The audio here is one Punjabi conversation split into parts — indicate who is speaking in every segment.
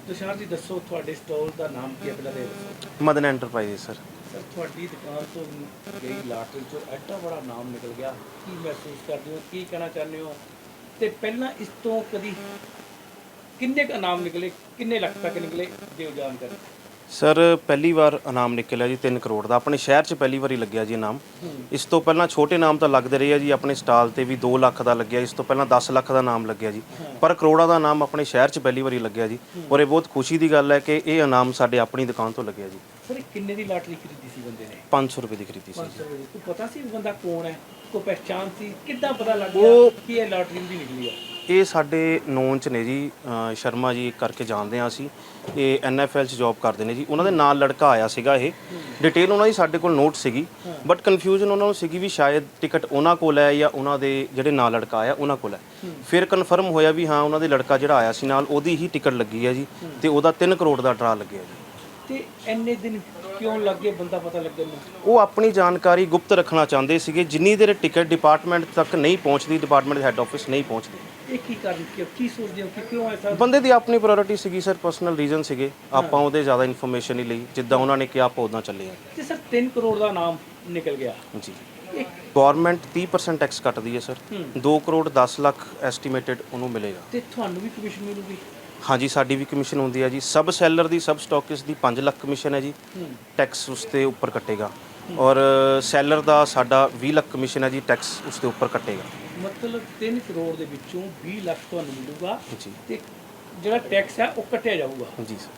Speaker 1: तुषार जी दसो थोड़े स्टॉल का नाम की है पहले ये दसो।
Speaker 2: Madan enterprises sir.
Speaker 1: सर थोड़ी दुकान तो गई लाटरी चो एडा बड़ा नाम निकल गया की महसूस करते हो की कहना चाहते हो तो पहला इस तो कभी किन्ने का नाम निकले किन्ने लाख तक निकले जो जानकारी।
Speaker 2: ਸਰ ਪਹਿਲੀ ਵਾਰ ਇਨਾਮ ਨਿਕਲਿਆ ਜੀ 3 ਕਰੋੜ ਦਾ ਆਪਣੇ ਸ਼ਹਿਰ 'ਚ ਪਹਿਲੀ ਵਾਰੀ ਲੱਗਿਆ ਜੀ ਇਨਾਮ। ਇਸ ਤੋਂ ਪਹਿਲਾਂ ਛੋਟੇ ਨਾਮ ਤਾਂ ਲੱਗਦੇ ਰਹੇ ਆ ਜੀ, ਆਪਣੇ ਸਟਾਲ ਤੇ ਵੀ 2 ਲੱਖ ਦਾ ਲੱਗਿਆ, ਇਸ ਤੋਂ ਪਹਿਲਾਂ 10 ਲੱਖ ਦਾ ਨਾਮ ਲੱਗਿਆ ਜੀ, ਪਰ ਕਰੋੜਾਂ ਦਾ ਨਾਮ ਆਪਣੇ ਸ਼ਹਿਰ 'ਚ ਪਹਿਲੀ ਵਾਰੀ ਲੱਗਿਆ ਜੀ। ਔਰ ਇਹ ਬਹੁਤ ਖੁਸ਼ੀ ਦੀ ਗੱਲ ਹੈ ਕਿ ਇਹ ਇਨਾਮ ਸਾਡੇ ਆਪਣੀ ਦੁਕਾਨ ਤੋਂ ਲੱਗਿਆ ਜੀ।
Speaker 1: ਸਰ ਕਿੰਨੇ ਦੀ ਲਾਟਰੀ ਖਰੀਦੀ ਸੀ ਬੰਦੇ ਨੇ?
Speaker 2: 500 ਰੁਪਏ ਦੀ ਖਰੀਦੀ ਸੀ।
Speaker 1: 500 ਰੁਪਏ ਦੀ। ਪਤਾ ਸੀ ਬੰਦਾ ਕੌਣ ਹੈ, ਕੋਈ ਪਹਿਚਾਣ ਸੀ, ਕਿੱਦਾਂ ਪਤਾ ਲੱਗ ਗਿਆ ਕਿ ਇਹ ਲਾਟਰੀ ਦੀ ਨਿਕਲੀ ਆ?
Speaker 2: ਇਹ ਸਾਡੇ ਨੌਨ 'ਚ ਨੇ ਜੀ, ਸ਼ਰਮਾ ਜੀ ਕਰਕੇ ਜਾਣਦੇ ਹਾਂ ਅਸੀਂ, ਇਹ NFL 'ਚ ਜੌਬ ਕਰਦੇ ਨੇ ਜੀ। ਉਹਨਾਂ ਦੇ ਨਾਲ ਲੜਕਾ ਆਇਆ ਸੀਗਾ, ਇਹ ਡਿਟੇਲ ਉਹਨਾਂ ਦੀ ਸਾਡੇ ਕੋਲ ਨੋਟ ਸੀਗੀ, ਬਟ ਕਨਫਿਊਜ਼ਨ ਉਹਨਾਂ ਨੂੰ ਸੀਗੀ ਵੀ ਸ਼ਾਇਦ ਟਿਕਟ ਉਹਨਾਂ ਕੋਲ ਹੈ ਜਾਂ ਉਹਨਾਂ ਦੇ ਜਿਹੜੇ ਨਾਲ ਲੜਕਾ ਆਇਆ ਉਹਨਾਂ ਕੋਲ ਹੈ। ਫਿਰ ਕਨਫਰਮ ਹੋਇਆ ਵੀ ਹਾਂ ਉਹਨਾਂ ਦੇ ਲੜਕਾ ਜਿਹੜਾ ਆਇਆ ਸੀ ਨਾਲ ਉਹਦੀ ਹੀ ਟਿਕਟ ਲੱਗੀ ਹੈ ਜੀ, ਤੇ ਉਹਦਾ 3 ਕਰੋੜ ਦਾ ਡਰਾ ਲੱਗਿਆ ਜੀ।
Speaker 1: ਤੇ ਇੰਨੇ ਦਿਨ ਕਿਉਂ ਲੱਗੇ ਬੰਦਾ ਪਤਾ ਲੱਗਣ ਨੂੰ?
Speaker 2: ਉਹ ਆਪਣੀ ਜਾਣਕਾਰੀ ਗੁਪਤ ਰੱਖਣਾ ਚਾਹੁੰਦੇ ਸੀਗੇ, ਜਿੰਨੀ ਦੇਰ ਟਿਕਟ ਡਿਪਾਰਟਮੈਂਟ ਤੱਕ ਨਹੀਂ ਪਹੁੰਚਦੀ, ਡਿਪਾਰਟਮੈਂਟ ਦੇ ਹੈੱਡ ਆਫਿਸ ਨਹੀਂ ਪਹੁੰਚਦੀ।
Speaker 1: ਇਹ ਕੀ ਕਾਰਨ ਕੀ ਸੋਚਦੇ ਹੋ ਕਿ ਕਿਉਂ ਐਸਾ?
Speaker 2: ਬੰਦੇ ਦੀ ਆਪਣੀ ਪ੍ਰਾਇੋਰਟੀ ਸੀਗੀ ਸਰ, ਪਰਸਨਲ ਰੀਜ਼ਨ ਸੀਗੇ, ਆਪਾਂ ਉਹਦੇ ਜ਼ਿਆਦਾ ਇਨਫੋਰਮੇਸ਼ਨ ਨਹੀਂ ਲਈ, ਜਿੱਦਾਂ ਉਹਨਾਂ ਨੇ ਕਿਹਾ ਆਪਾਂ ਉੱਦਾਂ ਚੱਲੇ ਆ।
Speaker 1: ਤੇ ਸਰ 3 ਕਰੋੜ ਦਾ ਨਾਮ ਨਿਕਲ ਗਿਆ
Speaker 2: ਜੀ।
Speaker 1: ਇਹ
Speaker 2: ਗਵਰਨਮੈਂਟ 30% ਟੈਕਸ ਕੱਟਦੀ ਹੈ ਸਰ, 2 ਕਰੋੜ 10 ਲੱਖ ਐਸਟੀਮੇਟਡ ਉਹਨੂੰ ਮਿਲੇਗਾ।
Speaker 1: ਤੇ ਤੁਹਾਨੂੰ ਵੀ ਕਮਿਸ਼ਨ ਮਿਲੂਗੀ?
Speaker 2: ਹਾਂਜੀ, ਸਾਡੀ ਵੀ ਕਮਿਸ਼ਨ ਹੁੰਦੀ ਹੈ ਜੀ। ਸਬ ਸੈਲਰ ਦੀ, ਸਬ ਸਟਾਕਿਸਟ ਦੀ 5 ਲੱਖ ਕਮਿਸ਼ਨ ਹੈ ਜੀ, ਟੈਕਸ ਉਸ ਤੇ ਉੱਪਰ ਕੱਟੇਗਾ। ਔਰ ਸੈਲਰ ਦਾ ਸਾਡਾ 20 ਲੱਖ ਕਮਿਸ਼ਨ ਹੈ ਜੀ, ਟੈਕਸ ਉਸ ਦੇ ਉੱਪਰ ਕੱਟੇਗਾ।
Speaker 1: ਮਤਲਬ 3 ਕਰੋੜ ਦੇ ਵਿੱਚੋਂ 20 ਲੱਖ ਤੁਹਾਨੂੰ ਮਿਲੂਗਾ
Speaker 2: ਜੀ।
Speaker 1: ਤੇ ਜਿਹੜਾ ਟੈਕਸ ਹੈ ਉਹ ਕੱਟਿਆ ਜਾਊਗਾ।
Speaker 2: ਜੀ ਸਰ।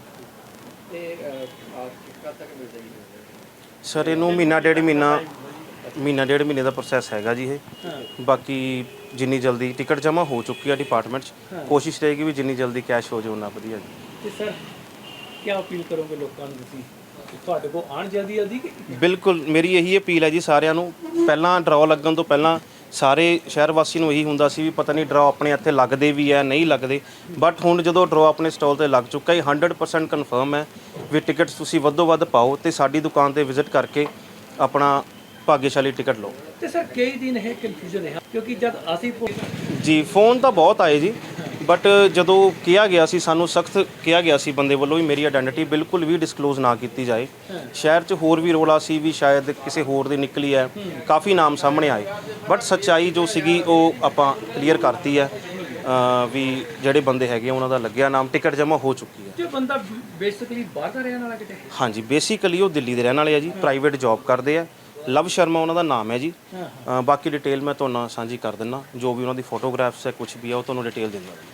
Speaker 1: ਤੇ ਕਦ ਤੱਕ ਮਿਲ ਜਾਏਗੀ
Speaker 2: ਸਰ ਇਹਨੂੰ ਮਹੀਨਾ ਡੇਢ ਮਹੀਨੇ ਦਾ ਪ੍ਰੋਸੈਸ ਹੈਗਾ ਜੀ ਇਹ। ਬਾਕੀ ਜਿੰਨੀ ਜਲਦੀ ਟਿਕਟ ਜਮ੍ਹਾਂ ਹੋ ਚੁੱਕੀ ਹੈ ਡਿਪਾਰਟਮੈਂਟ 'ਚ, ਕੋਸ਼ਿਸ਼ ਰਹੇਗੀ ਵੀ ਜਿੰਨੀ ਜਲਦੀ ਕੈਸ਼ ਹੋ ਜਾਏ ਉਨਾ ਵਧੀਆ ਜੀ।
Speaker 1: ਤੇ ਸਰ ਕੀ ਅਪੀਲ ਕਰੋਗੇ ਲੋਕਾਂ ਨੂੰ ਤੁਸੀਂ ਕਿ ਤੁਹਾਡੇ ਕੋਲ ਆਉਣ ਜਲਦੀ ਕਿ?
Speaker 2: ਬਿਲਕੁਲ ਮੇਰੀ ਇਹੀ ਅਪੀਲ ਹੈ ਜੀ ਸਾਰਿਆਂ ਨੂੰ। ਪਹਿਲਾਂ ਡਰਾਅ ਲੱਗਣ ਤੋਂ ਪਹਿਲਾਂ ਸਾਰੇ ਸ਼ਹਿਰ ਵਾਸੀ ਨੂੰ ਇਹੀ ਹੁੰਦਾ ਸੀ ਵੀ ਪਤਾ ਨਹੀਂ ਡਰਾਅ ਆਪਣੇ ਇੱਥੇ ਲੱਗਦੇ ਵੀ ਹੈ ਨਹੀਂ ਲੱਗਦੇ, ਬਟ ਹੁਣ ਜਦੋਂ ਡਰਾਅ ਆਪਣੇ ਸਟਾਲ ਤੇ ਲੱਗ ਚੁੱਕਾ ਹੈ 100% ਕਨਫਰਮ ਹੈ ਵੀ ਟਿਕਟਸ ਤੁਸੀਂ ਵੱਧੋ ਵੱਧ ਪਾਓ ਤੇ ਸਾਡੀ ਦੁਕਾਨ ਤੇ ਵਿਜ਼ਿਟ ਕਰਕੇ ਆਪਣਾ ਭਾਗਿਆਸ਼ਾਲੀ ਟਿਕਟ ਲਓ।
Speaker 1: ਤੇ ਸਰ ਕਈ ਦਿਨ ਇਹ ਕਨਫਿਊਜ਼ਨ ਹੈ ਕਿਉਂਕਿ ਜਦ ਅਸੀਂ
Speaker 2: ਜੀ ਫੋਨ ਤਾਂ ਬਹੁਤ ਆਏ ਜੀ, ਬਟ ਜਦੋਂ ਕਿਹਾ ਗਿਆ ਸੀ, ਸਾਨੂੰ ਸਖਤ ਕਿਹਾ ਗਿਆ ਸੀ ਬੰਦੇ ਵੱਲੋਂ ਵੀ ਮੇਰੀ ਆਇਡੈਂਟੀਟੀ ਬਿਲਕੁਲ ਵੀ ਡਿਸਕਲੋਜ਼ ਨਾ ਕੀਤੀ ਜਾਏ। ਸ਼ਹਿਰ 'ਚ ਹੋਰ ਵੀ ਰੌਲਾ ਸੀ ਵੀ ਸ਼ਾਇਦ ਕਿਸੇ ਹੋਰ ਦੀ ਨਿਕਲੀ ਹੈ, ਕਾਫੀ ਨਾਮ ਸਾਹਮਣੇ ਆਏ, ਬਟ ਸੱਚਾਈ ਜੋ ਸੀਗੀ ਉਹ ਆਪਾਂ ਕਲੀਅਰ ਕਰਤੀ ਹੈ ਵੀ ਜਿਹੜੇ ਬੰਦੇ ਹੈਗੇ ਉਹਨਾਂ ਦਾ ਲੱਗਿਆ ਨਾਮ, ਟਿਕਟ ਜਮ੍ਹਾਂ ਹੋ ਚੁੱਕੀ ਹੈ।
Speaker 1: ਜੇ ਬੰਦਾ ਬੇਸਿਕਲੀ ਬਾਹਰ ਦਾ ਰਹਿਣ ਵਾਲਾ ਕਿਤੇ?
Speaker 2: ਹਾਂਜੀ, ਬੇਸਿਕਲੀ ਉਹ ਦਿੱਲੀ ਦੇ ਰਹਿਣ ਵਾਲੇ ਆ ਜੀ, ਪ੍ਰਾਈਵੇਟ ਜੌਬ ਕਰਦੇ ਆ। ਲਵ ਸ਼ਰਮਾ ਉਹਨਾਂ ਦਾ ਨਾਮ ਹੈ ਜੀ। ਬਾਕੀ ਡਿਟੇਲ ਮੈਂ ਤੁਹਾਨੂੰ ਸਾਂਝੀ ਕਰ ਦਿੰਦਾ, ਜੋ ਵੀ ਉਹਨਾਂ ਦੀ ਫੋਟੋਗ੍ਰਾਫਸ ਹੈ ਕੁਝ ਵੀ ਹੈ ਉਹ ਤੁਹਾਨੂੰ ਡਿਟੇਲ ਦਿੰਦਾ ਜੀ।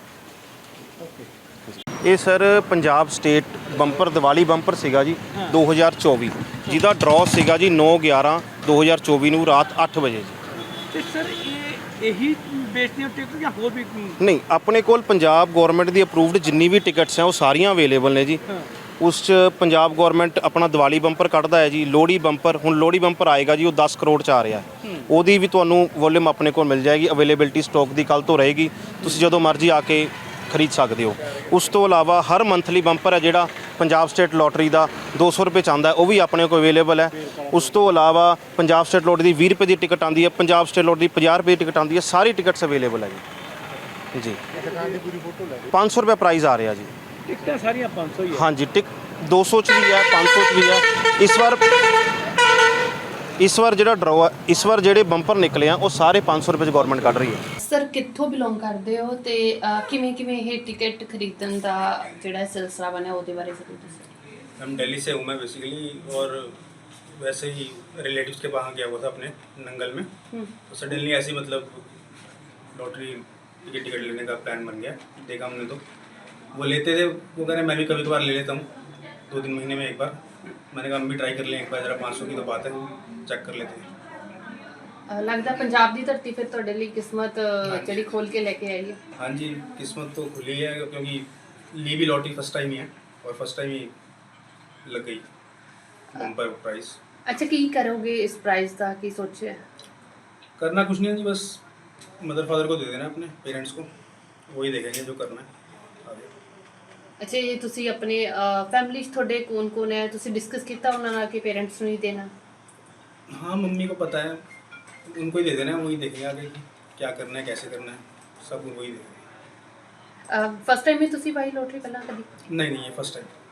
Speaker 2: ਇਹ sir Punjab state bumper Diwali bumper ਸੀਗਾ ਜੀ 2024, ਜਿਹਦਾ ਡਰਾਅ ਸੀਗਾ ਜੀ 9/11/2024 ਨੂੰ ਰਾਤ 8 ਵਜੇ ਜੀ।
Speaker 1: ਤੇ ਸਰ ਇਹੀ ਵੇਚਦੀਆਂ ਟਿਕਟ ਜਾਂ ਹੋਰ ਵੀ?
Speaker 2: ਨਹੀਂ, ਆਪਣੇ ਕੋਲ ਪੰਜਾਬ ਗਵਰਨਮੈਂਟ ਦੀ ਅਪਰੂਵਡ ਜਿੰਨੀ ਵੀ ਟਿਕਟਸ ਹੈ ਉਹ ਸਾਰੀਆਂ ਅਵੇਲੇਬਲ ਨੇ ਜੀ। ਉਸ 'ਚ ਪੰਜਾਬ ਗਵਰਨਮੈਂਟ ਆਪਣਾ ਦੀਵਾਲੀ ਬੰਪਰ ਕੱਢਦਾ ਹੈ ਜੀ, ਲੋਹੜੀ ਬੰਪਰ, ਹੁਣ ਲੋਹੜੀ ਬੰਪਰ ਆਏਗਾ ਜੀ, ਉਹ 10 ਕਰੋੜ 'ਚ ਆ ਰਿਹਾ, ਉਹਦੀ ਵੀ ਤੁਹਾਨੂੰ ਵੋਲਿਊਮ ਆਪਣੇ ਕੋਲ ਮਿਲ ਜਾਏਗੀ। ਅਵੇਲੇਬਿਲਟੀ ਸਟਾਕ ਦੀ ਕੱਲ੍ਹ ਤੋਂ ਰਹੇਗੀ, ਤੁਸੀਂ ਜਦੋਂ ਮਰਜ਼ੀ ਆ ਕੇ ਖਰੀਦ ਸਕਦੇ ਹੋ। ਉਸ ਤੋਂ ਇਲਾਵਾ ਹਰ ਮੰਥਲੀ ਬੰਪਰ ਹੈ ਜਿਹੜਾ ਪੰਜਾਬ ਸਟੇਟ ਲੋਟਰੀ ਦਾ 200 ਰੁਪਏ 'ਚ ਆਉਂਦਾ, ਉਹ ਵੀ ਆਪਣੇ ਕੋਲ ਅਵੇਲੇਬਲ ਹੈ। ਉਸ ਤੋਂ ਇਲਾਵਾ ਪੰਜਾਬ ਸਟੇਟ ਲੋਟਰੀ ਦੀ 20 ਰੁਪਏ ਦੀ ਟਿਕਟ ਆਉਂਦੀ ਹੈ, ਪੰਜਾਬ ਸਟੇਟ ਲੋਟਰੀ ਦੀ 50 ਰੁਪਏ ਦੀ ਟਿਕਟ ਆਉਂਦੀ ਹੈ, ਸਾਰੀ ਟਿਕਟਸ ਅਵੇਲੇਬਲ ਹੈ ਜੀ। 500 ਰੁਪਏ ਪ੍ਰਾਈਸ ਆ ਰਿਹਾ ਜੀ।
Speaker 1: ਟਿਕਟਾਂ ਸਾਰੀਆਂ 500 ਹੀ ਹੈ? ਹਾਂਜੀ,
Speaker 2: 200 'ਚ ਵੀ ਹੈ, 500 'ਚ ਵੀ ਹੈ। ਇਸ ਵਾਰ ਜਿਹੜਾ ਡਰਾਅ ਇਸ ਵਾਰ ਜਿਹੜੇ ਬੰਪਰ ਨਿਕਲੇ ਆ ਉਹ ਸਾਰੇ 500 ਰੁਪਏ 'ਚ ਗਵਰਨਮੈਂਟ ਕੱਢ ਰਹੀ ਹੈ।
Speaker 3: ਸਰ ਕਿੱਥੋਂ ਬਿਲੋਂਗ ਕਰਦੇ ਹੋ ਤੇ ਕਿਵੇਂ ਇਹ ਟਿਕਟ ਖਰੀਦਣ ਦਾ ਜਿਹੜਾ ਸਿਲਸਿਲਾ ਬਣਿਆ ਉਹਦੇ ਬਾਰੇ ਜ਼ਰੂਰ ਦੱਸੋ।
Speaker 4: हम दिल्ली से हूँ मैं बेसिकली, और वैसे ही रिलेटिव्स के वहाँ गया हुआ था अपने नंगल में, तो सडनली ऐसे ही मतलब लॉटरी टिकट लेने का प्लान बन गया। देखा हमने तो वो लेते थे, वो कह रहे मैं भी कभी कभार ले लेता हूँ 2-3 महीने में एक बार। मैंने कहा हम भी ट्राई कर लें एक बार, ज़रा 500 की तो बात है, चेक कर लेते हैं।
Speaker 3: ਲੱਗਦਾ ਪੰਜਾਬ ਦੀ ਧਰਤੀ ਫਿਰ ਤੁਹਾਡੇ ਲਈ ਕਿਸਮਤ ਜਿਹੜੀ ਖੋਲ ਕੇ ਲੈ ਕੇ ਆਈ ਹੈ।
Speaker 4: हाँ जी, किस्मत तो खुली है क्योंकि ली भी लॉटरी फर्स्ट टाइम ही है और फर्स्ट टाइम ही लग गई बम्पर प्राइस।
Speaker 3: ਅੱਛਾ, ਕੀ ਕਰੋਗੇ ਇਸ ਪ੍ਰਾइस ਦਾ, ਕੀ ਸੋਚਿਆ?
Speaker 4: करना कुछ नहीं है जी, बस मदर फादर को दे देना अपने पेरेंट्स को, वही देखेंगे जो करना है आगे।
Speaker 3: ਅੱਛਾ, ਇਹ ਤੁਸੀਂ ਆਪਣੇ ਫੈਮਿਲੀ 'ਚ ਤੁਹਾਡੇ ਕੌਣ ਹੈ, ਤੁਸੀਂ ਡਿਸਕਸ ਕੀਤਾ ਉਹਨਾਂ ਨਾਲ ਕਿ ਪੇਰੈਂਟਸ ਨੂੰ ਹੀ ਦੇਣਾ?
Speaker 4: हाँ, मम्मी को पता है, उनको ही दे देना है, वही देखेंगे आगे कि क्या करना है कैसे करना है, सब वही देखेंगे।
Speaker 3: ਫਸਟ ਟਾਈਮ ਹੀ ਤੁਸੀਂ ਪਾਈ ਲੋਟਰੀ ਪਹਿਲਾਂ ਕਦੀ?
Speaker 4: नहीं नहीं, ये फर्स्ट टाइम।